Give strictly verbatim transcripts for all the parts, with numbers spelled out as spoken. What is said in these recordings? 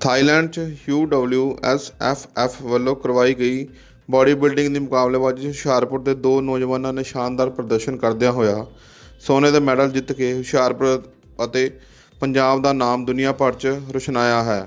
Thailand 'ਚ U W S F F ਵੱਲੋਂ ਕਰਵਾਈ ਗਈ ਬਾਡੀ ਬਿਲਡਿੰਗ ਦੀ ਮੁਕਾਬਲੇਬਾਜ਼ੀ 'ਚ ਹੁਸ਼ਿਆਰਪੁਰ ਦੇ ਦੋ ਨੌਜਵਾਨਾਂ ਨੇ ਸ਼ਾਨਦਾਰ ਪ੍ਰਦਰਸ਼ਨ ਕਰਦਿਆਂ ਹੋਇਆ ਸੋਨੇ ਦਾ ਮੈਡਲ ਜਿੱਤ ਕੇ ਹੁਸ਼ਿਆਰਪੁਰ ਅਤੇ ਪੰਜਾਬ ਦਾ ਨਾਮ ਦੁਨੀਆ ਭਰ 'ਚ ਰੁਸ਼ਨਾਇਆ ਹੈ।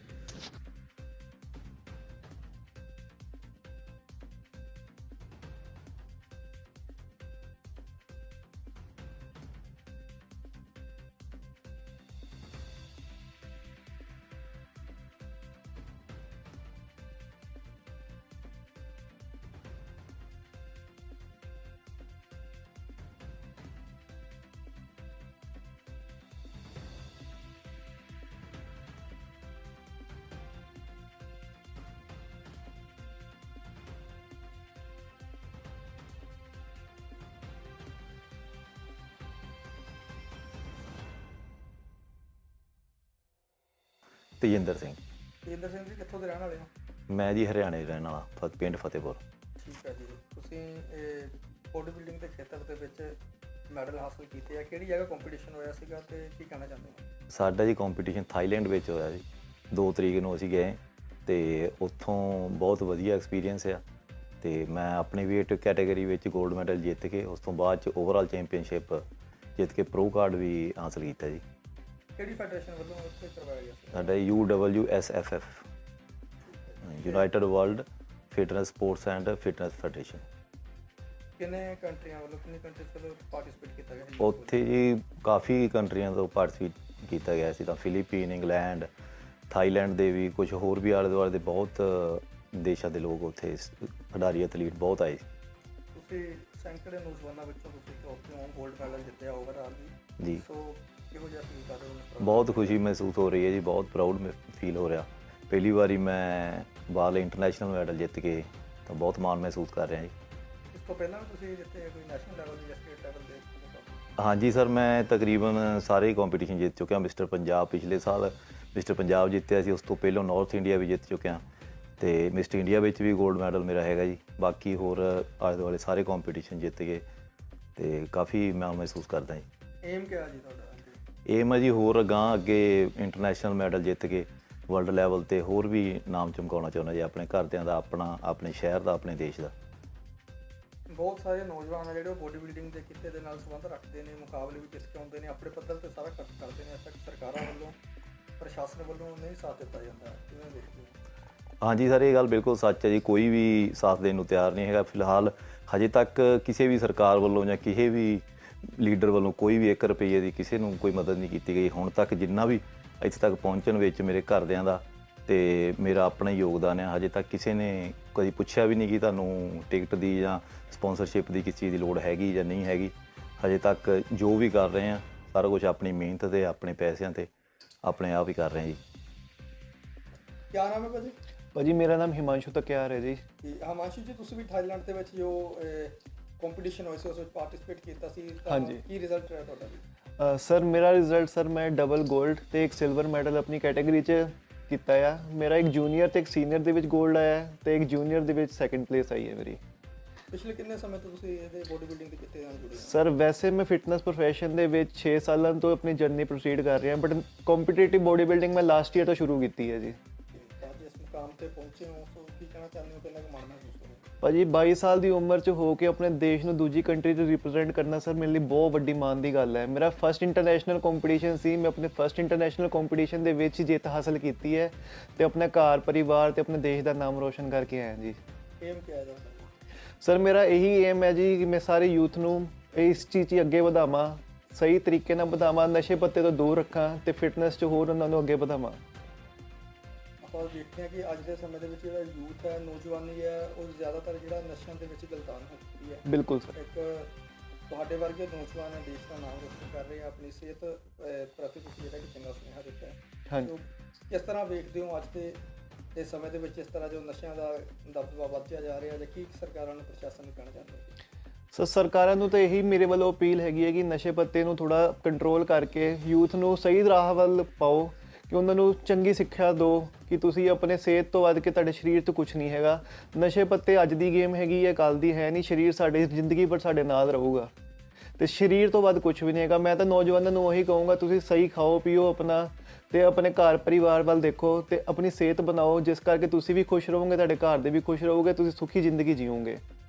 ਤੇਜਿੰਦਰ ਸਿੰਘ। ਤੇਜਿੰਦਰ ਸਿੰਘ ਜੀ ਕਿੱਥੋਂ ਦੇ ਰਹਿਣ ਵਾਲੇ ਹੋ? ਮੈਂ ਜੀ ਹਰਿਆਣੇ ਰਹਿਣ ਵਾਲਾ, ਫ ਪਿੰਡ ਫਤਿਹਪੁਰ। ਠੀਕ ਹੈ ਜੀ। ਤੁਸੀਂ ਇਹ ਬੋਡੀ ਬਿਲਡਿੰਗ ਦੇ ਖੇਤਰ ਦੇ ਵਿੱਚ ਮੈਡਲ ਹਾਸਲ ਕੀਤੇ ਆ, ਕਿਹੜੀ ਜਗ੍ਹਾ ਕੰਪੀਟੀਸ਼ਨ ਹੋਇਆ ਸੀਗਾ ਅਤੇ ਕੀ ਕਹਿਣਾ ਚਾਹੁੰਦੇ ਹੋ? ਸਾਡਾ ਜੀ ਕੰਪੀਟੀਸ਼ਨ ਥਾਈਲੈਂਡ ਵਿੱਚ ਹੋਇਆ ਜੀ। ਦੋ ਤਰੀਕ ਨੂੰ ਅਸੀਂ ਗਏ ਅਤੇ ਉੱਥੋਂ ਬਹੁਤ ਵਧੀਆ ਐਕਸਪੀਰੀਅੰਸ ਆ ਅਤੇ ਮੈਂ ਆਪਣੀ ਵੇਟ ਕੈਟਾਗਰੀ ਵਿੱਚ ਗੋਲਡ ਮੈਡਲ ਜਿੱਤ ਕੇ ਉਸ ਤੋਂ ਬਾਅਦ 'ਚ ਓਵਰਆਲ ਚੈਂਪੀਅਨਸ਼ਿਪ ਜਿੱਤ ਕੇ ਪ੍ਰੋ ਕਾਰਡ ਵੀ ਹਾਸਲ ਕੀਤਾ ਜੀ। ਕਿਹੜੀ ਫੈਡਰੇਸ਼ਨ ਵੱਲੋਂ ਉੱਥੇ ਕਰਵਾਇਆ ਗਿਆ ਸੀ? ਸਾਡਾ U W S F F, United World Fitness Sports and Fitness Federation. ਕਿੰਨੇ ਕੰਟਰੀਆਂ ਵੱਲੋਂ ਕਿੰਨੀ ਕੰਟਰੀਜ਼ ਵੱਲੋਂ ਪਾਰਟੀਸਪੇਟ ਕੀਤਾ ਗਿਆ? ਉੱਥੇ ਜੀ ਕਾਫੀ ਕੰਟਰੀਆਂ ਤੋਂ ਪਾਰਟੀਸਪੇਟ ਕੀਤਾ ਗਿਆ ਸੀ, ਤਾਂ ਫਿਲੀਪੀਨ, ਇੰਗਲੈਂਡ, ਥਾਈਲੈਂਡ ਦੇ ਵੀ, ਕੁਝ ਹੋਰ ਵੀ ਆਲੇ ਦੁਆਲੇ ਦੇ ਬਹੁਤ ਦੇਸ਼ਾਂ ਦੇ ਲੋਕ ਉੱਥੇ ਖਿਡਾਰੀ ਐਥਲੀਟ ਬਹੁਤ ਆਏ ਸੀ। ਤੁਸੀਂ ਸੈਂਕੜੇ ਨੌਜਵਾਨਾਂ ਵਿੱਚੋਂ ਤੁਸੀਂ ਉੱਥੋਂ ਗੋਲਡ ਮੈਡਲ ਜਿੱਤਿਆ ਓਵਰਆਲ ਵੀ ਜੀ। ਸੋ ਕਿਹੋ ਜਿਹਾ ਫੀਲ ਕਰ ਰਹੇ ਹੋ? ਬਹੁਤ ਖੁਸ਼ੀ ਮਹਿਸੂਸ ਹੋ ਰਹੀ ਹੈ ਜੀ, ਬਹੁਤ ਪ੍ਰਾਊਡ ਫੀਲ ਹੋ ਰਿਹਾ। ਪਹਿਲੀ ਵਾਰੀ ਮੈਂ ਬਾਲ ਇੰਟਰਨੈਸ਼ਨਲ ਮੈਡਲ ਜਿੱਤ ਕੇ ਤਾਂ ਬਹੁਤ ਮਾਣ ਮਹਿਸੂਸ ਕਰ ਰਿਹਾ ਜੀ। ਇਸ ਤੋਂ ਪਹਿਲਾਂ ਵੀ ਤੁਸੀਂ ਜਿੱਤੇ ਕੋਈ ਨੈਸ਼ਨਲ ਲੈਵਲ ਜਾਂ ਸਟੇਟ ਲੈਵਲ ਦੇ? ਹਾਂਜੀ ਸਰ, ਮੈਂ ਤਕਰੀਬਨ ਸਾਰੇ ਕੰਪੀਟੀਸ਼ਨ ਜਿੱਤ ਚੁੱਕਿਆ। ਮਿਸਟਰ ਪੰਜਾਬ ਪਿਛਲੇ ਸਾਲ ਮਿਸਟਰ ਪੰਜਾਬ ਜਿੱਤਿਆ ਸੀ, ਉਸ ਤੋਂ ਪਹਿਲਾਂ ਨਾਰਥ ਇੰਡੀਆ ਵੀ ਜਿੱਤ ਚੁੱਕਿਆ ਅਤੇ ਮਿਸਟਰ ਇੰਡੀਆ ਵਿੱਚ ਵੀ ਗੋਲਡ ਮੈਡਲ ਮੇਰਾ ਹੈਗਾ ਜੀ। ਬਾਕੀ ਹੋਰ ਆਲੇ ਦੁਆਲੇ ਸਾਰੇ ਕੰਪੀਟੀਸ਼ਨ ਜਿੱਤ ਗਏ ਅਤੇ ਕਾਫੀ ਮਾਣ ਮਹਿਸੂਸ ਕਰਦਾ ਜੀ। ਏਮ ਕਿਹਾ ਜੀ ਤੁਹਾਡਾ? ਏਮ ਹੈ ਜੀ ਹੋਰ ਅਗਾਂਹ ਅੱਗੇ ਇੰਟਰਨੈਸ਼ਨਲ ਮੈਡਲ ਜਿੱਤ ਕੇ ਵਰਲਡ ਲੈਵਲ 'ਤੇ ਹੋਰ ਵੀ ਨਾਮ ਚਮਕਾਉਣਾ ਚਾਹੁੰਦਾ ਜੀ, ਆਪਣੇ ਘਰਦਿਆਂ ਦਾ, ਆਪਣਾ, ਆਪਣੇ ਸ਼ਹਿਰ ਦਾ, ਆਪਣੇ ਦੇਸ਼ ਦਾ। ਬਹੁਤ ਸਾਰੇ ਨੌਜਵਾਨ ਆ ਜਿਹੜੇ ਉਹ ਬੋਡੀ ਬਿਲਡਿੰਗ ਦੇ ਕਿੱਤੇ ਦੇ ਨਾਲ ਸੰਬੰਧ ਰੱਖਦੇ ਨੇ, ਮੁਕਾਬਲੇ ਵੀ ਜਿੱਤ ਕੇ ਆਉਂਦੇ ਨੇ, ਆਪਣੇ ਪੱਧਰ 'ਤੇ ਸਾਰਾ ਖਰਚ ਕਰਦੇ ਨੇ। ਅਜੇ ਤੱਕ ਸਰਕਾਰਾਂ ਵੱਲੋਂ, ਪ੍ਰਸ਼ਾਸਨ ਵੱਲੋਂ ਨਹੀਂ ਸਾਥ ਦਿੱਤਾ ਜਾਂਦਾ, ਕਿਵੇਂ ਦੇਖਦੇ ਹੋ? ਹਾਂਜੀ ਸਰ, ਇਹ ਗੱਲ ਬਿਲਕੁਲ ਸੱਚ ਹੈ ਜੀ। ਕੋਈ ਵੀ ਸਾਥ ਦੇਣ ਨੂੰ ਤਿਆਰ ਨਹੀਂ ਹੈਗਾ ਫਿਲਹਾਲ। ਹਜੇ ਤੱਕ ਕਿਸੇ ਵੀ ਸਰਕਾਰ ਵੱਲੋਂ ਜਾਂ ਕਿਸੇ ਵੀ ਲੀਡਰ ਵੱਲੋਂ ਕੋਈ ਵੀ ਇੱਕ ਰੁਪਈਏ ਦੀ ਕਿਸੇ ਨੂੰ ਕੋਈ ਮਦਦ ਨਹੀਂ ਕੀਤੀ ਗਈ ਹੁਣ ਤੱਕ। ਜਿੰਨਾ ਵੀ ਇੱਥੇ ਤੱਕ ਪਹੁੰਚਣ ਵਿੱਚ ਮੇਰੇ ਘਰਦਿਆਂ ਦਾ ਅਤੇ ਮੇਰਾ ਆਪਣਾ ਹੀ ਯੋਗਦਾਨ ਹੈ। ਹਜੇ ਤੱਕ ਕਿਸੇ ਨੇ ਕਦੀ ਪੁੱਛਿਆ ਵੀ ਨਹੀਂ ਕਿ ਤੁਹਾਨੂੰ ਟਿਕਟ ਦੀ ਜਾਂ ਸਪੋਂਸਰਸ਼ਿਪ ਦੀ ਕਿਸੇ ਚੀਜ਼ ਦੀ ਲੋੜ ਹੈਗੀ ਜਾਂ ਨਹੀਂ ਹੈਗੀ। ਹਜੇ ਤੱਕ ਜੋ ਵੀ ਕਰ ਰਹੇ ਹਾਂ ਸਾਰਾ ਕੁਛ ਆਪਣੀ ਮਿਹਨਤ 'ਤੇ, ਆਪਣੇ ਪੈਸਿਆਂ 'ਤੇ, ਆਪਣੇ ਆਪ ਹੀ ਕਰ ਰਹੇ ਹਾਂ ਜੀ। ਕਿਆ ਨਾਮ ਹੈ ਭਾਜੀ? ਭਾਜੀ ਮੇਰਾ ਨਾਮ ਹਿਮਾਂਸ਼ੂ ਤਕਿਆਰ ਹੈ ਜੀ। ਹਿਮਾਂਸ਼ੂ ਜੀ, ਤੁਸੀਂ ਵੀ ਥਾਈਲੈਂਡ ਦੇ ਵਿੱਚ ਜੋ ਕੰਪੀਟੀਸ਼ਨ ਹੋਇਆ ਸੀ ਉਸ ਵਿੱਚ ਪਾਰਟੀਸਪੇਟ ਕੀਤਾ ਸੀ, ਹਾਂਜੀ। ਕੀ ਰਿਜ਼ਲਟ ਰਿਹਾ ਤੁਹਾਡਾ? ਸਰ ਮੇਰਾ ਰਿਜ਼ਲਟ ਸਰ ਮੈਂ ਡਬਲ ਗੋਲਡ ਅਤੇ ਇੱਕ ਸਿਲਵਰ ਮੈਡਲ ਆਪਣੀ ਕੈਟਾਗਰੀ 'ਚ ਕੀਤਾ ਆ। ਮੇਰਾ ਇੱਕ ਜੂਨੀਅਰ ਅਤੇ ਇੱਕ ਸੀਨੀਅਰ ਦੇ ਵਿੱਚ ਗੋਲਡ ਆਇਆ ਅਤੇ ਇੱਕ ਜੂਨੀਅਰ ਦੇ ਵਿੱਚ ਸੈਕਿੰਡ ਪਲੇਸ ਆਈ ਹੈ ਮੇਰੀ। ਪਿਛਲੇ ਕਿੰਨੇ ਸਮੇਂ ਤੋਂ ਤੁਸੀਂ ਇਹਦੇ ਬੋਡੀ ਬਿਲਡਿੰਗ ਦੇ ਕਿੱਤੇ ਨਾਲ ਜੁੜੇ ਹੋ? ਸਰ ਵੈਸੇ ਮੈਂ ਫਿਟਨੈਸ ਪ੍ਰੋਫੈਸ਼ਨ ਦੇ ਵਿੱਚ ਛੇ ਸਾਲਾਂ ਤੋਂ ਆਪਣੀ ਜਰਨੀ ਪ੍ਰੋਸੀਡ ਕਰ ਰਿਹਾ, ਬਟ ਕੰਪੀਟੀਟਿਵ ਬੋਡੀ ਬਿਲਡਿੰਗ ਮੈਂ ਲਾਸਟ ਈਅਰ ਤੋਂ ਸ਼ੁਰੂ ਕੀਤੀ ਹੈ ਜੀ। ਅੱਜ ਇਸ ਮੁਕਾਮ 'ਤੇ ਪਹੁੰਚੇ ਹੋ, ਸੋ ਕੀ ਕਹਿਣਾ ਚਾਹੁੰਦੇ ਹੋ? ਕਿੰਨਾ ਕੁ ਮਾਣ ਮਹਿਸੂਸ ਹੋ ਰਿਹਾ? ਭਾਜੀ ਬਾਈ ਸਾਲ ਦੀ ਉਮਰ 'ਚ ਹੋ ਕੇ ਆਪਣੇ ਦੇਸ਼ ਨੂੰ ਦੂਜੀ ਕੰਟਰੀ 'ਚ ਰਿਪਰੈਜ਼ੈਂਟ ਕਰਨਾ ਸਰ ਮੇਰੇ ਲਈ ਬਹੁਤ ਵੱਡੀ ਮਾਣ ਦੀ ਗੱਲ ਹੈ। ਮੇਰਾ ਫਸਟ ਇੰਟਰਨੈਸ਼ਨਲ ਕੰਪੀਟੀਸ਼ਨ ਸੀ, ਮੈਂ ਆਪਣੇ ਫਸਟ ਇੰਟਰਨੈਸ਼ਨਲ ਕੰਪੀਟੀਸ਼ਨ ਦੇ ਵਿੱਚ ਜਿੱਤ ਹਾਸਲ ਕੀਤੀ ਹੈ ਅਤੇ ਆਪਣੇ ਘਰ ਪਰਿਵਾਰ ਅਤੇ ਆਪਣੇ ਦੇਸ਼ ਦਾ ਨਾਮ ਰੋਸ਼ਨ ਕਰਕੇ ਆਇਆ ਜੀ। ਏਮ ਕਿਹਾ ਜਾਂਦਾ? ਸਰ ਮੇਰਾ ਇਹੀ ਏਮ ਹੈ ਜੀ ਕਿ ਮੈਂ ਸਾਰੇ ਯੂਥ ਨੂੰ ਇਸ ਚੀਜ਼ 'ਚ ਅੱਗੇ ਵਧਾਵਾਂ, ਸਹੀ ਤਰੀਕੇ ਨਾਲ ਵਧਾਵਾਂ, ਨਸ਼ੇ ਪੱਤੇ ਤੋਂ ਦੂਰ ਰੱਖਾਂ ਅਤੇ ਫਿਟਨੈਸ 'ਚ ਹੋਰ ਉਹਨਾਂ ਨੂੰ ਅੱਗੇ ਵਧਾਵਾਂ। ਆਪਾਂ ਦੇਖਦੇ ਹਾਂ ਕਿ ਅੱਜ ਦੇ ਸਮੇਂ ਦੇ ਵਿੱਚ ਜਿਹੜਾ ਯੂਥ ਹੈ, ਨੌਜਵਾਨੀ ਹੈ, ਉਹ ਜ਼ਿਆਦਾਤਰ ਜਿਹੜਾ ਨਸ਼ਿਆਂ ਦੇ ਵਿੱਚ ਗਲਤਾਨ ਹੋ ਚੁੱਕੀ ਹੈ। ਬਿਲਕੁਲ ਸਰ। ਇੱਕ ਤੁਹਾਡੇ ਵਰਗੇ ਨੌਜਵਾਨ ਹੈ, ਦੇਸ਼ ਦਾ ਨਾਮ ਰੋਸ਼ਨ ਕਰ ਰਹੇ ਆ, ਆਪਣੀ ਸਿਹਤ ਪ੍ਰਤੀ ਤੁਸੀਂ ਜਿਹੜਾ ਕਿ ਚੰਗਾ ਸੁਨੇਹਾ ਦਿੱਤਾ ਹੈ। ਹਾਂਜੀ। ਕਿਸ ਤਰ੍ਹਾਂ ਵੇਖਦੇ ਹੋ ਅੱਜ ਦੇ ਇਸ ਸਮੇਂ ਦੇ ਵਿੱਚ ਇਸ ਤਰ੍ਹਾਂ ਜੋ ਨਸ਼ਿਆਂ ਦਾ ਦਬਦਬਾ ਵੱਧਦਾ ਜਾ ਰਿਹਾ, ਜਾਂ ਕੀ ਸਰਕਾਰਾਂ ਨੂੰ, ਪ੍ਰਸ਼ਾਸਨ ਨੂੰ ਕਹਿਣਾ ਚਾਹੁੰਦੇ ਹੋ? ਸਰ ਸਰਕਾਰਾਂ ਨੂੰ ਤਾਂ ਇਹੀ ਮੇਰੇ ਵੱਲੋਂ ਅਪੀਲ ਹੈਗੀ ਹੈ ਕਿ ਨਸ਼ੇ ਪੱਤੇ ਨੂੰ ਥੋੜ੍ਹਾ ਕੰਟਰੋਲ ਕਰਕੇ ਯੂਥ ਨੂੰ ਸਹੀ ਰਾਹ ਵੱਲ ਪਾਓ, ਕਿ ਉਹਨਾਂ ਨੂੰ ਚੰਗੀ ਸਿੱਖਿਆ ਦਿਓ ਕਿ ਤੁਸੀਂ ਆਪਣੇ ਸਿਹਤ ਤੋਂ ਵੱਧ ਕੇ ਤੁਹਾਡੇ ਸਰੀਰ ਤੋਂ ਕੁਛ ਨਹੀਂ ਹੈਗਾ। ਨਸ਼ੇ ਪੱਤੇ ਅੱਜ ਦੀ ਗੇਮ ਹੈਗੀ ਹੈ, ਕੱਲ੍ਹ ਦੀ ਹੈ ਨਹੀਂ। ਸਰੀਰ ਸਾਡੇ ਜ਼ਿੰਦਗੀ ਭਰ ਸਾਡੇ ਨਾਲ ਰਹੂਗਾ ਤੇ ਸਰੀਰ ਤੋਂ ਵੱਧ ਕੁਝ ਵੀ ਨਹੀਂ ਹੈਗਾ। ਮੈਂ ਤਾਂ ਨੌਜਵਾਨਾਂ ਨੂੰ ਉਹੀ ਕਹੂੰਗਾ, ਤੁਸੀਂ ਸਹੀ ਖਾਓ ਪੀਓ ਆਪਣਾ, ਤੇ ਆਪਣੇ ਘਰ ਪਰਿਵਾਰ ਵੱਲ ਦੇਖੋ ਤੇ ਆਪਣੀ ਸਿਹਤ ਬਣਾਓ, ਜਿਸ ਕਰਕੇ ਤੁਸੀਂ ਵੀ ਖੁਸ਼ ਰਹੋਗੇ, ਤੁਹਾਡੇ ਘਰ ਦੇ ਵੀ ਖੁਸ਼ ਰਹੋਗੇ, ਤੁਸੀਂ ਸੁਖੀ ਜ਼ਿੰਦਗੀ ਜੀਓਗੇ।